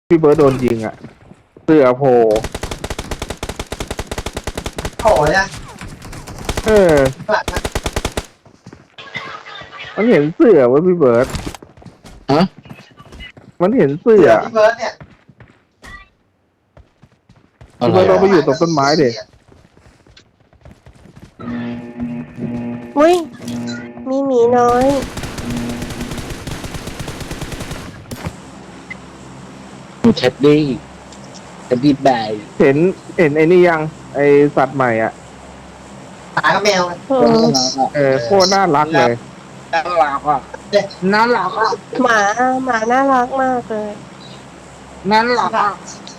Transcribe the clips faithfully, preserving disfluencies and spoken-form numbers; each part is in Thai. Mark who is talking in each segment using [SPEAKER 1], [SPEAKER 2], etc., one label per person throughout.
[SPEAKER 1] พี่เบิร์ดโดนยิงอ่ะเสื้อโผล่
[SPEAKER 2] โอ้ยนะ
[SPEAKER 1] เออมันเห็นเสื้อวะพี่เบิร์ด
[SPEAKER 3] ฮะ
[SPEAKER 1] มันเห็นเสื้อ
[SPEAKER 2] พี่เบิร์ดเนี่ย
[SPEAKER 1] พี่เบิร์ดเราไปอยู่ตรงต้นไม้เด็
[SPEAKER 4] อุ้ยมีหมีน้อย
[SPEAKER 3] เท็ดดี้เท็ดดี้แบร์
[SPEAKER 1] เห็นเห็นไอ้นี่ยังไอสัตว์ใหม่อ่ะ
[SPEAKER 2] หมากับแมว
[SPEAKER 4] เออ
[SPEAKER 1] เออโคตรน่ารักเลย
[SPEAKER 3] น่ารักอ่ะน่ารักอ่ะ
[SPEAKER 4] หมาหมาน่ารักมากเลย
[SPEAKER 3] น่ารักอ่ะ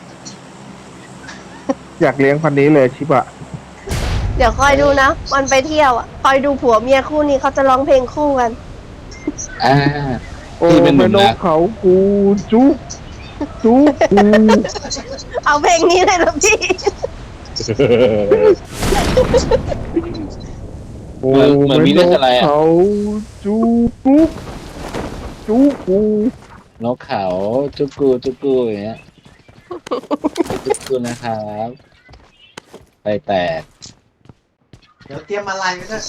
[SPEAKER 1] อยากเลี้ยงพันนี้เลยชิบะ
[SPEAKER 4] เดี๋ยวคอยดูนะวันไปเที่ยวอ่ะคอยดูผัวเมียคู่นี้เขาจะร้องเพลงคู่กัน
[SPEAKER 3] อ่า
[SPEAKER 1] โอ้
[SPEAKER 3] ที่เป็นห
[SPEAKER 1] แม่
[SPEAKER 3] นุ่ม
[SPEAKER 1] น
[SPEAKER 3] นะ
[SPEAKER 1] กเขากูจุ๊กจุ๊กกู
[SPEAKER 4] เอาเพลงนี้เลยเหรอพี่
[SPEAKER 1] โอ้
[SPEAKER 3] เหมือนมี
[SPEAKER 1] แม่
[SPEAKER 3] เรื่
[SPEAKER 1] น
[SPEAKER 3] อง
[SPEAKER 1] ก
[SPEAKER 3] อะไรอ่ะ
[SPEAKER 1] เขาจุ๊กกุ๊กจุ๊กกู
[SPEAKER 3] นกเขาจุกกูจุกกูอย่างเงี้ยจุกกูนะครับไปแตก
[SPEAKER 2] เดี๋ยวเตรียมอะไรไว้ด้วย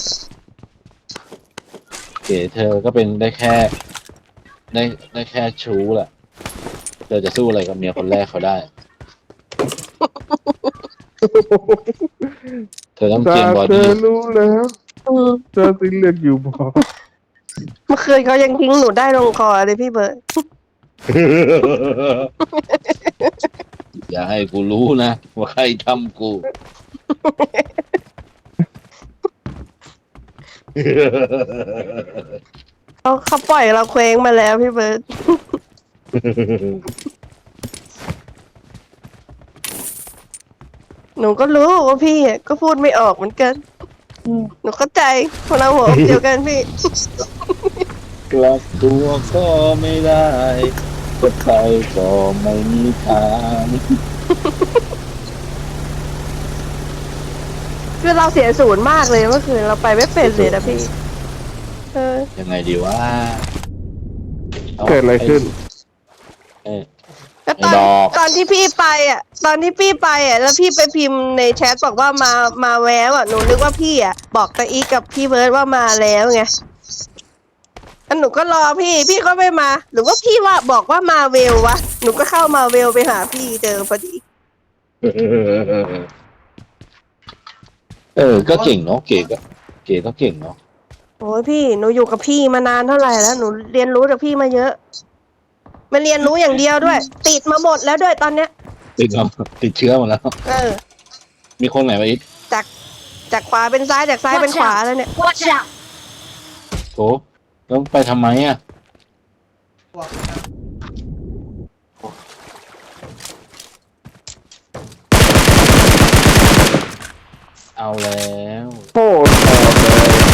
[SPEAKER 3] เก๋เธอก็เป็นได้แค่ ได้ได้แค่ชู้แหละเธอจะสู้อะไรกับเมียคนแรกเขาได้ เธอต้องเต
[SPEAKER 1] ถ้า
[SPEAKER 3] รียมบอ
[SPEAKER 1] เธ
[SPEAKER 3] ดี้
[SPEAKER 1] อรู้แล้ว
[SPEAKER 4] อืม
[SPEAKER 1] เธอสิเลือกอยู่บอก
[SPEAKER 4] เมื่อคืนเขายังทิ้งหนูได้ลงคอเลยพี่เบิร์ด
[SPEAKER 3] อย่าให้กูรู้นะว่าใครทำกู
[SPEAKER 4] เขาเขาปล่อยเราเคว้งมาแล้วพี่เบิร์ดหนูก็รู้ว่าพี่อะก็พูดไม่ออกเหมือนกันหนูเข้าใจพวกเราหัวอกเดียวกันพี่
[SPEAKER 3] กลับตัวก็ไม่ได้จะไปก็ไม่มีทาง
[SPEAKER 4] คือเราเสียศูนย์มากเลยเมื่อคืนเราไปไม่เป็นเลยนะพี่ เออ
[SPEAKER 3] ยังไงดีว่า
[SPEAKER 1] เกิดอะไรขึ้น
[SPEAKER 3] เออ
[SPEAKER 4] แล้วตอน
[SPEAKER 3] ไอ้ดอก
[SPEAKER 4] ตอนที่พี่ไปอ่ะ ตอนที่พี่ไปอ่ะ แล้วพี่ไปพิมพ์ในแชทบอกว่ามามาแววอ่ะหนูนึกว่าพี่อ่ะบอกตาอีกกับพี่เบิร์ดว่ามาแล้วไงแล้วหนูก็รอพี่ พี่ก็ไม่มา หรือว่าพี่ว่าบอกว่ามาเวลวะหนูก็เข้ามาเวลไปหาพี่เจอพอดี
[SPEAKER 3] เออ ก็เก่งเนาะเก๋ก็เก๋ก็เก่งเนาะ
[SPEAKER 4] โอ้ยพี่หนูอยู่กับพี่มานานเท่าไหร่แล้วหนูเรียนรู้จากพี่มาเยอะไม่เรียนรู้อย่างเดียวด้วย ติดมาหมดแล้วด้วยตอนเนี้ย
[SPEAKER 3] ติดแล้วติดเชื้อหมดแล้ว
[SPEAKER 4] เออ
[SPEAKER 3] มีคนไหนมาอีก
[SPEAKER 4] จากจากขวาเป็นซ้ายจากซ้ายเป็นขวาแล้วเนี่ย
[SPEAKER 5] Watch out!
[SPEAKER 3] โถต้องไปทำไมอ่ะ
[SPEAKER 2] พวก
[SPEAKER 3] เอาแล้ว
[SPEAKER 1] โคตรแสบเลย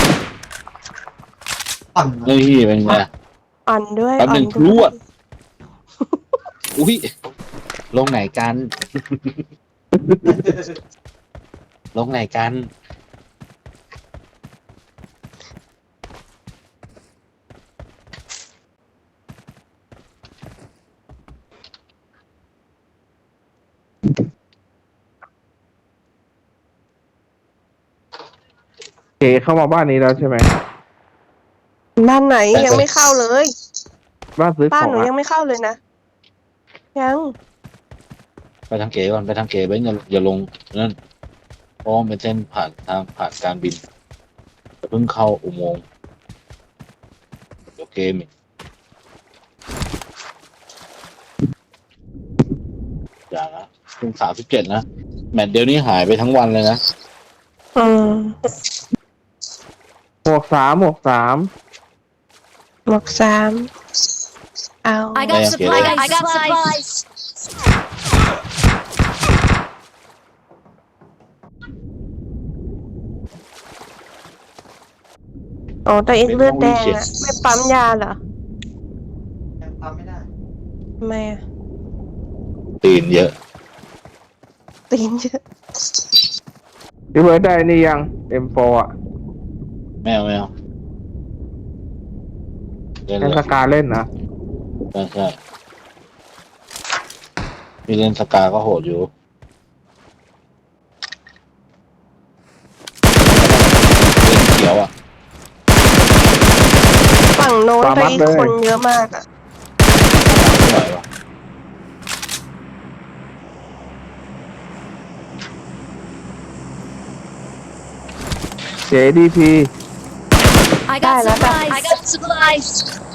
[SPEAKER 2] อ่อน
[SPEAKER 3] นี่เป็นไง
[SPEAKER 4] อ่อนด้วย
[SPEAKER 3] แป๊บหนึ่ง
[SPEAKER 4] อ่อ
[SPEAKER 3] พรวด อุ้ยลงไหนกัน ลงไหนกัน
[SPEAKER 1] เก๋เข้ามาบ้านนี้แล้วใช่ไหม
[SPEAKER 4] บ้านไหนยังไม่เข้าเลย
[SPEAKER 1] บ้านซื้อข
[SPEAKER 4] บ้าน
[SPEAKER 1] อง
[SPEAKER 4] หนู
[SPEAKER 1] อะ
[SPEAKER 4] ยังไม่เข้าเลยนะยัง
[SPEAKER 3] ไปทางเก๋ก่อนไปทางเก๋ไปอย่าอย่าลงนั่นเพราะว่ามันเป็นเส้นผ่านทางผ่านการบินจะเพิ่งเข้าอุโมงค์เดี๋ยวเกมอีกอย่านะเพิ่งสามสิบเจ็ดนะแมตช์เดียวนี้หายไปทั้งวันเลยนะ
[SPEAKER 4] อืม
[SPEAKER 1] หมวกสามหมวกสาม
[SPEAKER 4] หมวกสามเอา
[SPEAKER 5] I got supplies! I got supplies!
[SPEAKER 4] โอ้แต่อีกเลือดแดงอะไม่ปั๊มยาเหรอ
[SPEAKER 2] ยังทำไม่ได้
[SPEAKER 4] ทำไมอะ
[SPEAKER 3] ตีนเยอะ
[SPEAKER 4] ตีนเยอะ
[SPEAKER 1] พี่เบิร์ดได้นี่ยัง เอ็ม โฟร์ อ่ะ
[SPEAKER 3] แมวแมวเล่น
[SPEAKER 1] ให้
[SPEAKER 3] เล
[SPEAKER 1] ส
[SPEAKER 3] ย
[SPEAKER 1] กาเล่นนะ
[SPEAKER 3] ใช่ใช่มีเล่นสกาก็โหดอยู่เล่นเขียวอ่ะ
[SPEAKER 4] ฝั่งโน้นตะอีกคนเยอะมากอ่ะ
[SPEAKER 3] ไม่ไหววะ
[SPEAKER 1] เจดีพี
[SPEAKER 5] I got supplies. I got supplies.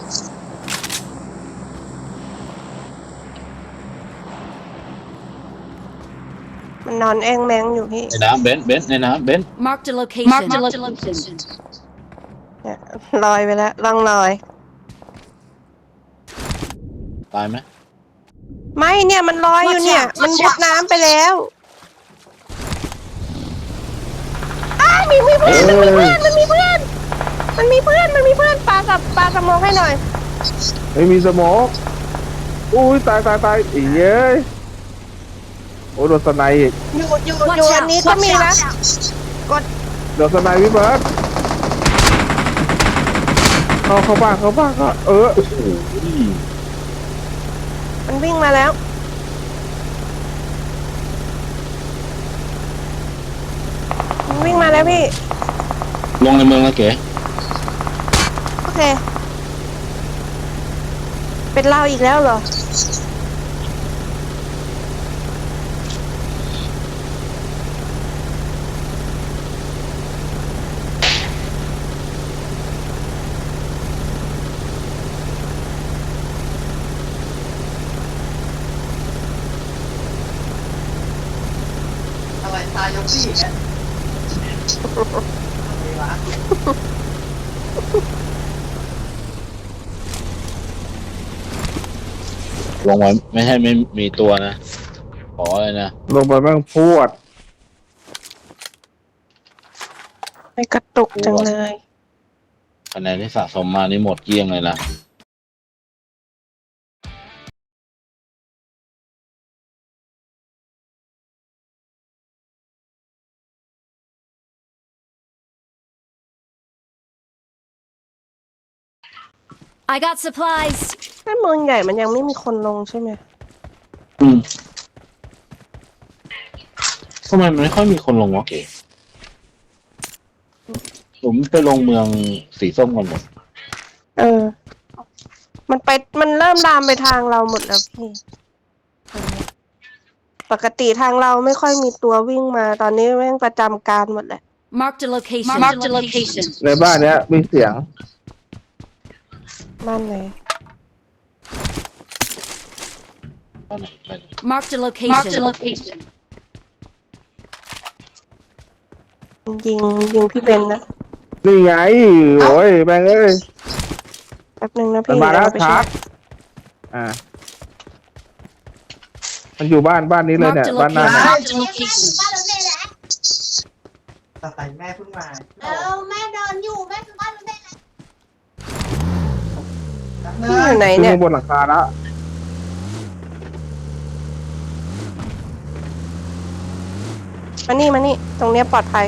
[SPEAKER 4] มันนอนแองแมงอยู่พี่
[SPEAKER 3] ในน้ำเบนซ์เบนซ์ในน้ำเบนซ์
[SPEAKER 5] Marked a location. Marked a location.
[SPEAKER 4] เนี่ยลอยไปแล้วล่องลอย
[SPEAKER 3] ตายไหม
[SPEAKER 4] ไม่เนี่ยมันลอยอยู่เนี่ย มันมุดน้ำไปแล้วอ้าวมีมีเพื่อนมันมีเพื่อนมันมีเพื่อนมันมีเพื่อนมันมีเพื่อนปลากับปลาสมองให้หน่อย
[SPEAKER 1] ไม่มีสโมกอุ้ยตายตายตายอีเย้ยโอ้โดนสไนอีก
[SPEAKER 4] อยู่อยู่
[SPEAKER 5] Watch
[SPEAKER 4] อยู่อัน
[SPEAKER 5] out.
[SPEAKER 4] นี้ก็
[SPEAKER 5] Watch
[SPEAKER 4] มีนะ
[SPEAKER 5] out.
[SPEAKER 4] กด
[SPEAKER 1] โดนสไนพี่เบิร์ดเข้าเข้าบ้านเข้าบ้านก็เออ
[SPEAKER 3] โอ้โห
[SPEAKER 4] มันวิ่งมาแล้วมันวิ่งมาแล้วพี่
[SPEAKER 3] ลงในเมืองแล้วเก๋
[SPEAKER 4] โอเค เป็นเราอีกแล้วเหรอ
[SPEAKER 2] อะไรตายยกซี่อีกอะอะไรวะ
[SPEAKER 3] ลงไว้ไม่ให้ไม่มีตัวนะขอเลยนะ
[SPEAKER 1] ลงไปแม่งพวด
[SPEAKER 4] ไม่กระตุกจังเลย
[SPEAKER 3] คะแนนที่สะสมมานี่หมดเกลี้ยงเลยนะ
[SPEAKER 5] I got supplies.
[SPEAKER 4] ถ้าเมืองใหญ่มันยังไม่มีคนลงใช่ไหม
[SPEAKER 3] อืมทำไมมันไม่ค่อยมีคนลงวะเก๋ผมไปลงเมืองสีส้มกันหมด
[SPEAKER 4] เออ มันไป มันเริ่มลามไปทางเราหมดแล้วพี่ ปกติทางเราไม่ค่อยมีตัววิ่งมา ตอนนี้แม่งประจำการหมดแหละ
[SPEAKER 5] Marked a location. Marked a location.
[SPEAKER 1] ในบ้านเนี้ยมีเสียง
[SPEAKER 4] บ้านไหน
[SPEAKER 3] บ้านไหนไปไหน
[SPEAKER 5] Marked a location. Marked a location.
[SPEAKER 4] ยิงยิงพี่เบนนะ
[SPEAKER 1] นี่ไงโอ้ยแม่งเอ้ย
[SPEAKER 4] แป๊บนึงนะ
[SPEAKER 1] มัน
[SPEAKER 4] พี่
[SPEAKER 1] มาแล้ว
[SPEAKER 4] เดี๋ยเไป
[SPEAKER 1] ชาร์จอ่า มันอยู่บ้านบ้านนี้เลยเนี่ย
[SPEAKER 5] Marked a
[SPEAKER 1] บ้านหน้า
[SPEAKER 5] location.
[SPEAKER 1] เนี่ย
[SPEAKER 5] Marked a location.
[SPEAKER 2] ตาไตแม่เพิ่งมา
[SPEAKER 6] เออแม่เดินอยู่แม่คือบ้านมันได้แล้ว
[SPEAKER 2] เนิ
[SPEAKER 4] พี่อยู่
[SPEAKER 2] น
[SPEAKER 4] ไหน
[SPEAKER 1] ขึ้น
[SPEAKER 4] เนี่ย
[SPEAKER 1] มาบนหลังคาแล้ว
[SPEAKER 4] มานี่มานี่ ตรงเนี้ยปลอดภัย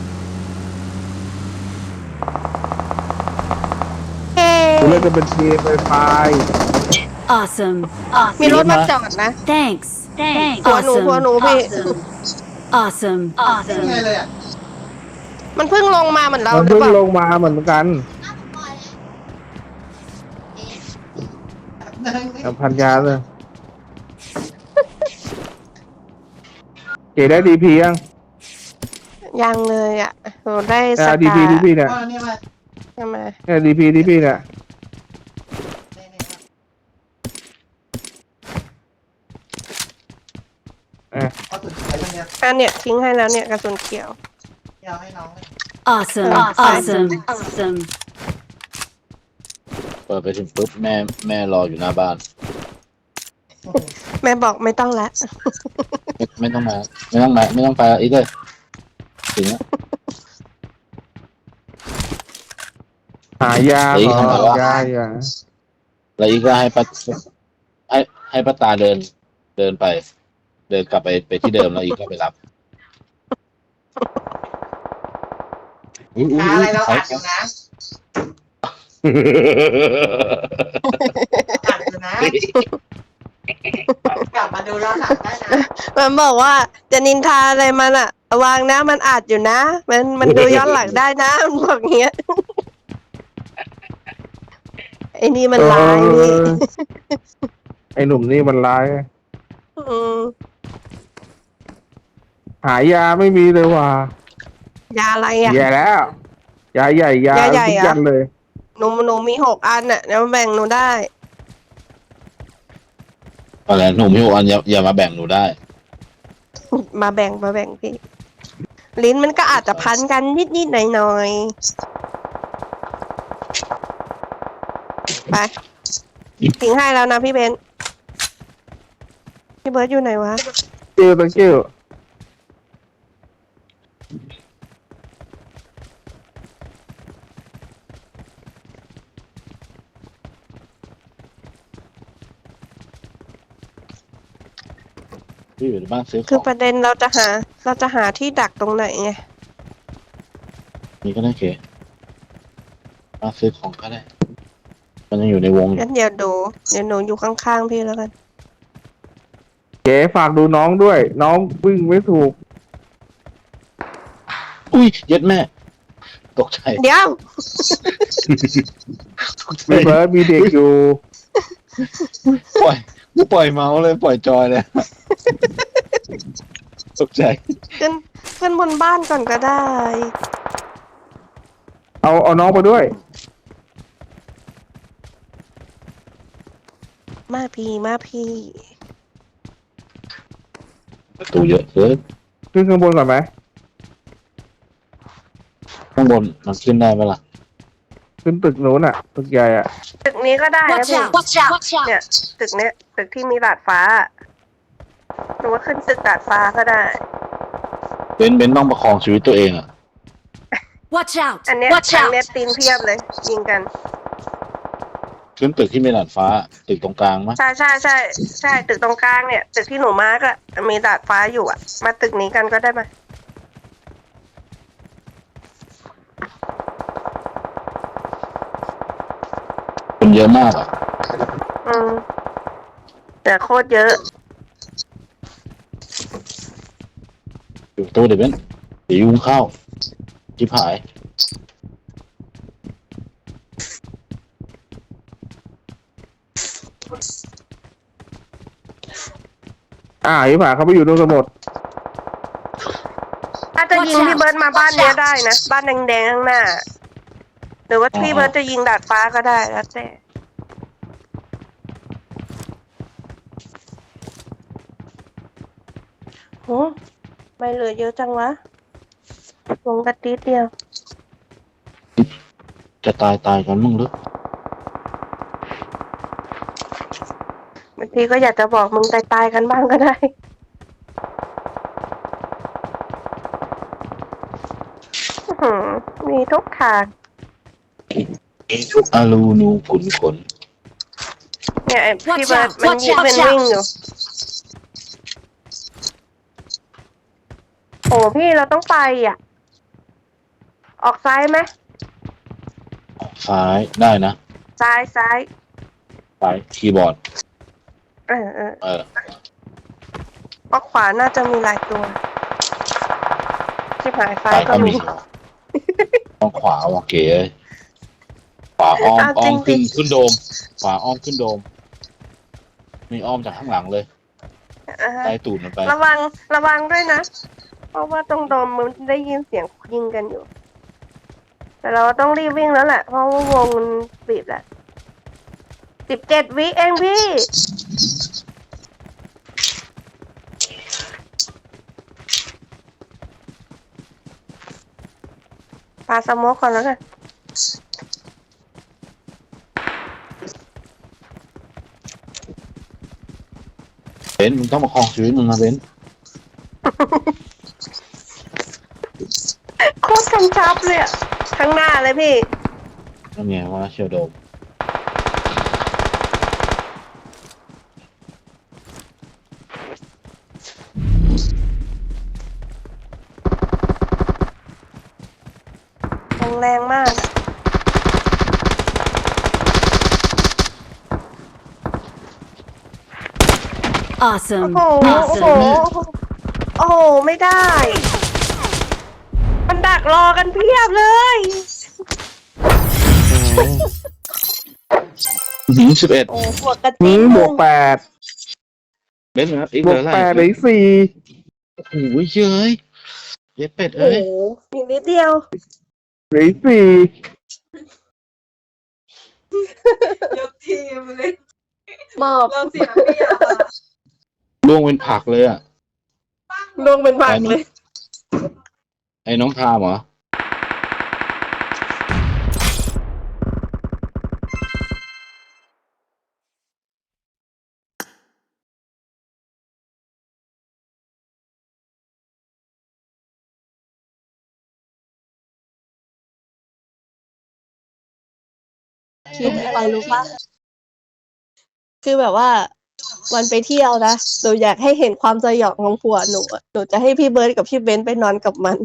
[SPEAKER 4] เฮ้
[SPEAKER 1] กูเล่นจะเป็นทีมไฟไฟ
[SPEAKER 5] Awesome.
[SPEAKER 4] มีรถมาจอดนะ
[SPEAKER 5] Thanks. Thanks.
[SPEAKER 4] หัวหนูหัวหนูพี่
[SPEAKER 5] Awesome.
[SPEAKER 2] ยัง
[SPEAKER 5] Awesome.
[SPEAKER 2] ไงเลยอ่ะ
[SPEAKER 4] มันเพิ่งลงมาเหมือนเรา
[SPEAKER 1] มัน
[SPEAKER 4] หรือ
[SPEAKER 1] เพิ่ง
[SPEAKER 4] เปล่า
[SPEAKER 1] ลงมาเหมือนกัน
[SPEAKER 2] เนินนี่
[SPEAKER 1] กับพันยาเลยเก๋ได้ดีพียัง
[SPEAKER 4] ยังเลยอ่ะโหได้ส
[SPEAKER 1] ดี
[SPEAKER 4] กา
[SPEAKER 1] พีดีพีเนี่ย
[SPEAKER 2] ก็นี่มา
[SPEAKER 4] ใช่ไหม
[SPEAKER 1] เนี่ยดีพีดีพีเนี่ย
[SPEAKER 2] นี่นี่มา
[SPEAKER 1] เอ่ะ
[SPEAKER 2] เอาสุดเขียวอย่างเดียว
[SPEAKER 4] อันเนี้ยทิ้งให้แล้วเนี่ยกระสุนเขียว
[SPEAKER 2] ที่เอาให้น้องเลย
[SPEAKER 5] Awesome.
[SPEAKER 4] Awesome.
[SPEAKER 5] Awesome. Awesome.
[SPEAKER 3] เปิดไปถึงปุ๊บแม่แม่รออยู่หน้าบ้าน
[SPEAKER 4] แม่บอกไม่ต้องละ
[SPEAKER 3] ไม่ไม่ต้องมาไม่ต้องมาไม่ต้องไปอีกเลยถึงแล้ว
[SPEAKER 1] หายา
[SPEAKER 3] เฮ้ย
[SPEAKER 1] เหรอ
[SPEAKER 3] ทำไมวะ
[SPEAKER 1] ยายา
[SPEAKER 3] แล้วอีกก็ให้ป้าให้ให้ป้าตาเดิน เดินไป เดินกลับไปไปที่เดิมแล้วอีกก็ไปรับอุ๊ยอุ๊ย
[SPEAKER 2] อะไรเรา
[SPEAKER 3] อุ๊
[SPEAKER 2] อั
[SPEAKER 3] ย
[SPEAKER 2] ดอยู่นะอัดอยู่นะกลับมาดูย้อนหลังได้นะ
[SPEAKER 4] มันบอกว่าจะนินทาอะไรมันอะระวังนะมันอาจอยู่นะ มันมันดูย้อนหลังได้นะ มันบอกอย่างเงี้ยไอ้นี่มันร้ายพี่
[SPEAKER 1] เออไอ้หนุ่มนี่มันร้าย
[SPEAKER 4] อืม
[SPEAKER 1] หายาไม่มีเลยว่ะ
[SPEAKER 4] ยาอะไรอะ
[SPEAKER 1] แย่แล้วยาใหญ่ยาย
[SPEAKER 4] าใหญ่
[SPEAKER 1] ทุก
[SPEAKER 4] อะ
[SPEAKER 1] ยันเลย
[SPEAKER 4] หนูหนูมีหกอันอะแล้วแบ่งหนูได้
[SPEAKER 3] อะไรหนูไม่รู้อันอย่าอย่ามาแบ่งหนูได้
[SPEAKER 4] มาแบ่งมาแบ่งพี่ ลิ้นมันก็อาจจะพันกันนิดนิดหน่อยหน่อยๆไปทิ้งให้แล้วนะพี่เบนซ์พี่เบิร์ดอยู่ไหนวะ
[SPEAKER 1] เกิ้วตังเกิ้ว
[SPEAKER 3] พี่อยู่ในบ้านซื้อข
[SPEAKER 4] คือ
[SPEAKER 3] อง
[SPEAKER 4] ประเด็นเราจะหา เราจะหาที่ดักตรงไหนไง
[SPEAKER 3] นี่ก็ได้เก๋บ้านซื้อของก็ได้ มันยังอยู่ในวงอยู่
[SPEAKER 4] งั้นเดี๋ยวดูเดี๋ยวหนูอยู่ข้างๆพี่แล้วกัน
[SPEAKER 1] เก๋ฝากดูน้องด้วย น้องวิ่งไม่ถูก
[SPEAKER 3] อุ้ยเย็ดแม่ ตกใจ
[SPEAKER 4] เดี๋ยว
[SPEAKER 3] ตกใจ
[SPEAKER 1] พี่เบิร์ดมีเด็กอยู่
[SPEAKER 3] ปล่อยกูปล่อยเมาส์เลยปล่อยจอยเลย ตกใจ
[SPEAKER 4] ขึ้นขึ้นบนบ้านก่อนก็ได้
[SPEAKER 1] เอาเอาน้องมาด้วย
[SPEAKER 4] มาพี่มาพี่
[SPEAKER 3] ประตูเยอะเกิน
[SPEAKER 1] ขึ้นข้างบนก่อนไหม
[SPEAKER 3] ข้างบนมันขึ้นได้ไหมล่ะ
[SPEAKER 1] ขึ้นตึกนู้นอ่ะ ตึกใหญ่อ่ะ
[SPEAKER 4] ตึกนี้ก็ได้นะ
[SPEAKER 5] Watch
[SPEAKER 4] พี่
[SPEAKER 5] out! Watch out! Watch out!
[SPEAKER 4] เนี่ยตึกเนี้ยตึกที่มีดาดฟ้าหรือว่าขึ้นตึกดาดฟ้าก็ได้
[SPEAKER 3] เบนเบนต้องประคองชีวิตตัวเองอ่ะ
[SPEAKER 5] Watch out!
[SPEAKER 4] อันเนี้ย
[SPEAKER 5] Watch
[SPEAKER 4] อัน
[SPEAKER 5] out!
[SPEAKER 4] เนี้ยตีนเพียบเลย ยิงกัน
[SPEAKER 3] ขึ้นตึกที่มีดาดฟ้า ตึกตรงกลางมั้ย
[SPEAKER 4] ใช่ใช่ใช่ใช่ตึกตรงกลางเนี่ย ตึกที่หนูมาร์กอะมีดาดฟ้าอยู่อะมาตึกนี้กันก็ได้มา
[SPEAKER 3] คนเยอะมากอ่ะ
[SPEAKER 4] อืมแต่โคตรเยอะ
[SPEAKER 3] อยู่ประตู้เดี๋ยวเบนเดี๋ยวยุงเข้าชิบหาย
[SPEAKER 1] อ่าอีผ่าเขาไปอยู่ตรงสมุด
[SPEAKER 4] ถ้าจะยิงพี่เบิร์ดมาบ้านเนี้ยได้นะบ้านแดงๆข้างหน้า หรือว่าพี่เบิร์ดจะยิงดาดฟ้าก็ได้แล้วแต่โหไม่เหลือเยอะจังวะลงกระติดเดียว
[SPEAKER 3] จะตายตายกันมึงหรือบ
[SPEAKER 4] างทีก็อยากจะบอกมึงตายตายๆกันบ้างก็ได้อื้อหือมีทุกทาง
[SPEAKER 3] ทุกอารูนูขุนขน
[SPEAKER 4] เนี่ยไอ้พี่
[SPEAKER 5] Watch
[SPEAKER 4] เบิร์ด
[SPEAKER 5] out!
[SPEAKER 4] มัน
[SPEAKER 5] Watch
[SPEAKER 4] ยิง
[SPEAKER 5] out!
[SPEAKER 4] เป็น
[SPEAKER 5] Watch
[SPEAKER 4] วิ่ง
[SPEAKER 5] out!
[SPEAKER 4] อยู่โอ้พี่เราต้องไปอ่ะ ออกซ้ายไหม
[SPEAKER 3] ซ้ายได้นะ
[SPEAKER 4] ซ้ายซ้าย
[SPEAKER 3] ซ้ายคีย์บอร์ด
[SPEAKER 4] เออเออ
[SPEAKER 3] เออ
[SPEAKER 4] ออกขวาน่าจะมีหลายตัวชิบหายซ้า
[SPEAKER 3] ซ้าย ย
[SPEAKER 4] ก็
[SPEAKER 3] ก็
[SPEAKER 4] มี
[SPEAKER 3] มีต้องขวาว่ะเก๋เลยขวาอ้อม
[SPEAKER 4] เอา
[SPEAKER 3] อ้อม
[SPEAKER 4] จริ
[SPEAKER 3] ขึ้น
[SPEAKER 4] งๆ
[SPEAKER 3] ขึ้นโดม ขวาอ้อมขึ้นโดม มีอ้อมจากข้างหลังเลย
[SPEAKER 4] อ่าฮะ
[SPEAKER 3] ไล่ตูดมันไป
[SPEAKER 4] ระวังระวังด้วยนะ เพราะว่าตรงโดมมันได้ยินเสียงยิงกันอยู่ แต่เราต้องรีบวิ่งแล้วแหละ เพราะว่าวงมันบีบแหละสิบเจ็ดวิเองพี่ปาสโมกก่อนแล้วกัน
[SPEAKER 3] เบนซ์มึงต้องประคองชีวิตมึงนะเบนซ์
[SPEAKER 4] โคตรกำชับเลยอะข้างหน้าเลยพี่
[SPEAKER 3] นั่นไงว่าเชียวโดม
[SPEAKER 4] แรงแรงมากอะโอ้
[SPEAKER 5] Awesome.
[SPEAKER 4] โห โอ้โห
[SPEAKER 5] Awesome.
[SPEAKER 4] โอ้โห ไม่ได้ มันดักรอกันเพียบเลย
[SPEAKER 3] ถึงสิบเอ็ด
[SPEAKER 4] โอ้บวกกระ
[SPEAKER 1] อื
[SPEAKER 4] ติ๊
[SPEAKER 1] ม
[SPEAKER 4] บบ
[SPEAKER 1] วกแปด
[SPEAKER 3] เบนซ์นะอีก
[SPEAKER 1] บ
[SPEAKER 3] เห
[SPEAKER 1] ว
[SPEAKER 3] ลื
[SPEAKER 1] ก
[SPEAKER 3] ออะไร
[SPEAKER 1] แปดเหลืออกสี่
[SPEAKER 3] โอ้โหเย้ยเย็ดเป็ด
[SPEAKER 4] โอ้
[SPEAKER 3] เอ้ย
[SPEAKER 4] โหอีกนิดเดียว
[SPEAKER 1] เหลืออกสี่
[SPEAKER 2] ยกทีมเลย
[SPEAKER 4] มอบ
[SPEAKER 2] เราเสียงไม่อยากอะ
[SPEAKER 3] ล่วงเป็นผักเลยอ่ะ
[SPEAKER 4] ลงเป็นผักเลย
[SPEAKER 3] ไอ้น้องพามเหรอ
[SPEAKER 4] คิดอะไรรู้ปะคือแบบว่า วันไปเที่ยวนะหนูอยากให้เห็นความสยองของผัวหนูอะหนูจะให้พี่เบิร์ดกับพี่เบนซ์ไปนอนกับมัน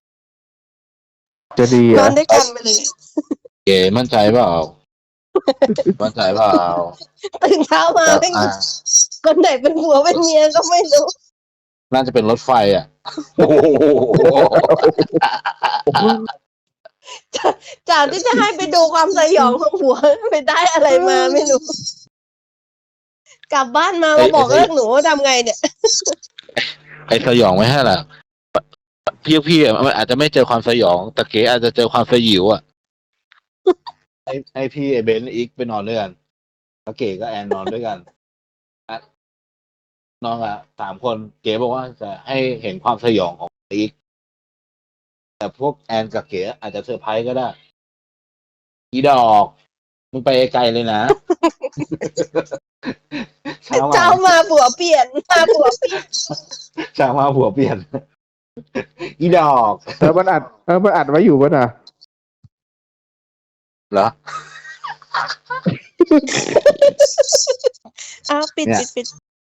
[SPEAKER 1] จะดี
[SPEAKER 4] นอ
[SPEAKER 1] อ่ะ
[SPEAKER 4] นด้วยกันไปเลย
[SPEAKER 3] เก๋มั่นใจเปล่า มั่นใจเปล่า
[SPEAKER 4] ตื่นเช้ามา
[SPEAKER 3] แต่
[SPEAKER 4] ไม่
[SPEAKER 3] อ่ะ
[SPEAKER 4] คนไหนเป็นผัวเป็นเมียก็ไม่รู้
[SPEAKER 3] น่าจะเป็นรถไฟอ่ะ โอ้โห
[SPEAKER 4] จากที่จะให้ไปดูความสยองของผัวไปได้อะไรมาไม่รู้ กลับบ้านมามาบอกเลิกหนูว่าทำไงเนี่ย
[SPEAKER 3] ไอ้สยองไม่ใช่ล่ะพี่พี่ๆอ่ะมันอาจจะไม่เจอความสยอง แต่เก๋อาจจะเจอความสยิวอ่ะ ไอ้ไอ้พี่ไอ้เบนซ์อีกไปนอนด้วยกันแล้วเก๋ก็แอนนอนด้วยกันอ่ะนอนอ่ะสามคนเก๋บอกว่าจะให้เห็นความสยองของอีกแต่พวกแอนกับเก๋อาจจะเซอร์ไพรส์ก็ได้ อีดอกมึงไปไกลเลยนะ เช้ามา
[SPEAKER 4] เจ้ามาผัวเปลี่ยนมาผัวเปลี่ยน
[SPEAKER 3] เช้ามาหัวเปลี่ยน อีดอก
[SPEAKER 1] เออมันอัดเออมันอัดไว้อยู่ป่ะน่ะ
[SPEAKER 3] เหรอ
[SPEAKER 4] อ้าวปิด
[SPEAKER 3] เนี่ย
[SPEAKER 4] ปิดปิด